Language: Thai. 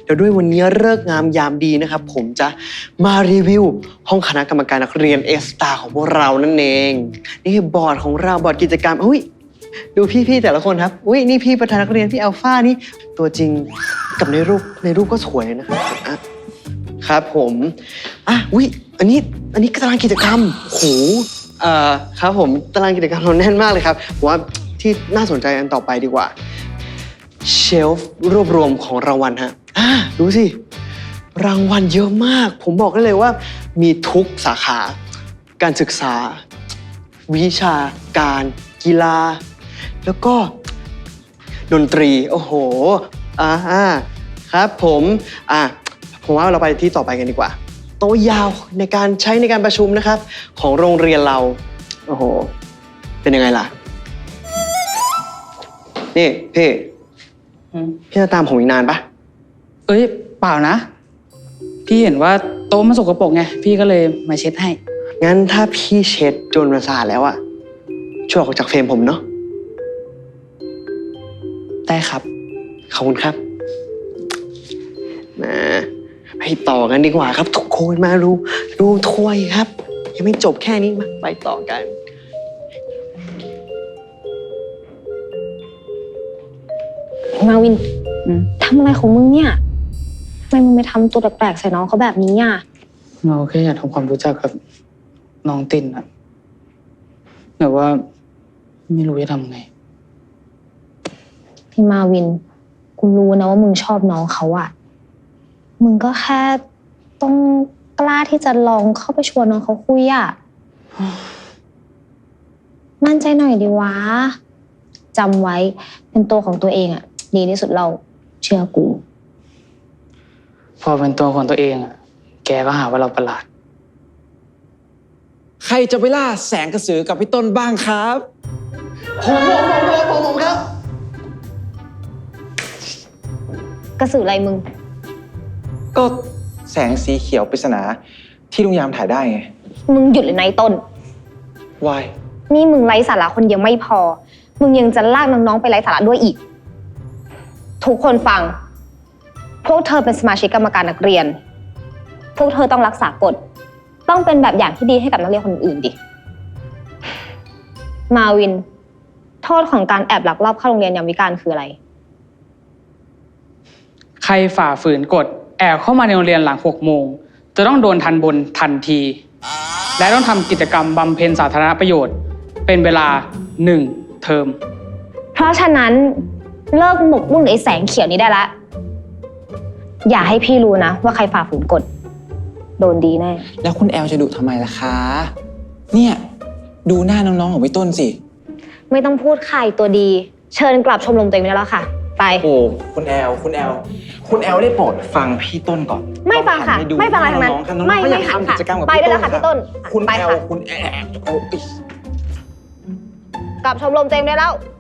เดี๋ยวด้วยวันนี้ฤกษ์งามยามดีนะครับผมจะมารีวิวห้องคณะกรรมการนักเรียนA-Starของพวกเรานั่นเองนี่บอร์ดของเราบอร์ดกิจกรรมอุ้ยดูพี่ๆแต่ละคนครับอุ้ยนี่พี่ประธานนักเรียนพี่อัลฟานี่ตัวจริงกับในรูปก็สวยนะครับครับผมอุ้ยอันนี้ตารางกิจกรรมโหครับผมตารางกิจกรรมเราแน่นมากเลยครับผมว่าที่น่าสนใจอันต่อไปดีกว่าเชลฟ์รวบรวมของรางวัลฮะดูสิรางวัลเยอะมากผมบอกได้เลยว่ามีทุกสาขาการศึกษาวิชาการกีฬาแล้วก็ดนตรีโอ้โหครับผมว่าเราไปที่ต่อไปกันดีกว่าโต๊ะยาวในการใช้ในการประชุมนะครับของโรงเรียนเราโอ้โหเป็นยังไงล่ะนี่พี่จะตามผมอีกนานปะเอ้ยเปล่านะพี่เห็นว่าโต๊ะมันสกปรกไงพี่ก็เลยมาเช็ดให้งั้นถ้าพี่เช็ดจนมันสะอาดแล้วอะช่วยออกจากเฟรมผมเนาะได้ครับขอบคุณครับมาไปต่อกันดีกว่าครับทุกคนมาดูถ้วยครับยังไม่จบแค่นี้มาไปต่อกันมาวินทำอะไรของมึงเนี่ยทำไมมึงไปทำตัวแปลกๆใส่น้องเขาแบบนี้อ่ะเราแค่อยากทำความรู้จักกับน้องตินอะแต่ว่าไม่รู้จะทำไงพี่มาวินกูรู้นะว่ามึงชอบน้องเขาอ่ะมึงก็แค่ต้องกล้าที่จะลองเข้าไปชวนน้องเขาคุยอ่ะมั่นใจหน่อยดิวะจำไว้เป็นตัวของตัวเองอ่ะดีที่สุดเราเชื่อกูพอเป็นตัวของตัวเองอะแกก็หาว่าเราประหลาดใครจะไปล่าแสงกระสือกับพี่ต้นบ้างครับผมครับกระสืออะไรมึงก็แสงสีเขียวปริศนาที่ลุงยามถ่ายได้ไงมึงหยุดเลยนะต้น Why นี่มึงไร้สาระคนเดียวไม่พอมึงยังจะลากน้องๆไปไร้สาระด้วยอีกทุกคนฟังพวกเธอเป็นสมาชิกกรรมการนักเรียนพวกเธอต้องรักษากฎต้องเป็นแบบอย่างที่ดีให้กับนักเรียนคนอื่นดิมาวินโทษของการแอบลักลอบเข้าโรงเรียนยามวิกาลคืออะไรใครฝ่าฝืนกฎแอบเข้ามาในโรงเรียนหลัง6 โมงจะต้องโดนทันบนทันทีและต้องทำกิจกรรมบำเพ็ญสาธารณประโยชน์เป็นเวลา1 เทอมเพราะฉะนั้นเลิกหมกมุ่นไอ้แสงเขียวนี้ได้ละอย่าให้พี่รู้นะว่าใครฝ่าฝืนกฎโดนดีแน่แล้วคุณแอลจะดุทำไมล่ะคะเนี่ยดูหน้าน้องๆของพี่ต้นสิไม่ต้องพูดใครตัวดีเชิญกลับชมรมตัวเองได้แล้วค่ะไปโอ้คุณแอลได้โปรดฟังพี่ต้นก่อนไม่ฟังค่ะไม่ฟังอะไรทั้งนั้นไม่หันค่ะไปได้แล้วค่ะพี่ต้นคุณแอลคุณแอลกลับชมรมตัวเองได้แล้ว